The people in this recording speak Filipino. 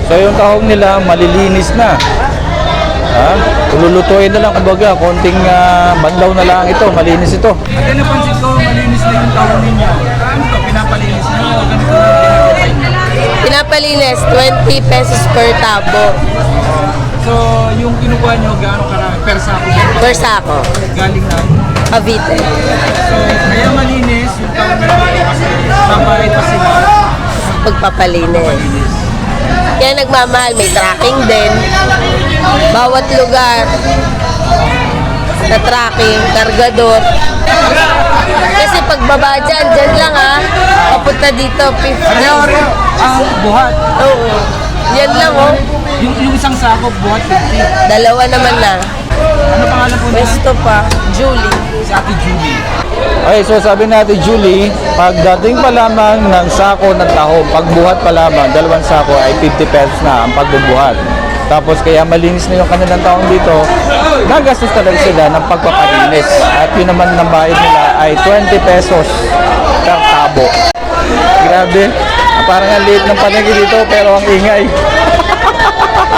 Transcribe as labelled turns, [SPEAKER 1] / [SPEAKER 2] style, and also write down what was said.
[SPEAKER 1] So yung tahong nila malilinis na. Ha? Lulutuin na lang, kumbaga, konting banlaw na lang ito, malinis ito.
[SPEAKER 2] At napansin ko, malinis na yung tahong ninyo. Ano ka, pinapalinis nyo? Ganito na
[SPEAKER 3] Pinapalinis, 20 pesos per tabo.
[SPEAKER 2] So, yung kinukuha nyo, gaano karami? Per sako?
[SPEAKER 3] Per sako.
[SPEAKER 2] Galing na.
[SPEAKER 3] Cavite.
[SPEAKER 2] So, kaya malinis yung tahong nyo kasi mabayad pa sila.
[SPEAKER 3] Pagpapalinis. Kaya nagmamahal, may tracking din. Bawat lugar na tracking, kargador. Kasi pagbaba dyan lang papunta dito, 50.
[SPEAKER 2] Ang buhat.
[SPEAKER 3] Oo. Yan lang
[SPEAKER 2] Yung isang sako, buhat 50.
[SPEAKER 3] Dalawa naman na.
[SPEAKER 2] Ano pangalan po niya?
[SPEAKER 3] Pwesto pa, Julie.
[SPEAKER 2] Si Ate Julie.
[SPEAKER 1] Okay, so sabi natin Julie, pagdating pa lamang ng sako ng taho, pagbuhat pa lamang, 2 sako ay 50 pesos na ang pagbubuhat. Tapos kaya malinis na yung kanilang taong dito, nagastos talaga sila ng pagpapalinis. At yun naman ng bayad nila ay 20 pesos per tabo. Grabe, parang ang liit ng panagi dito pero ang ingay.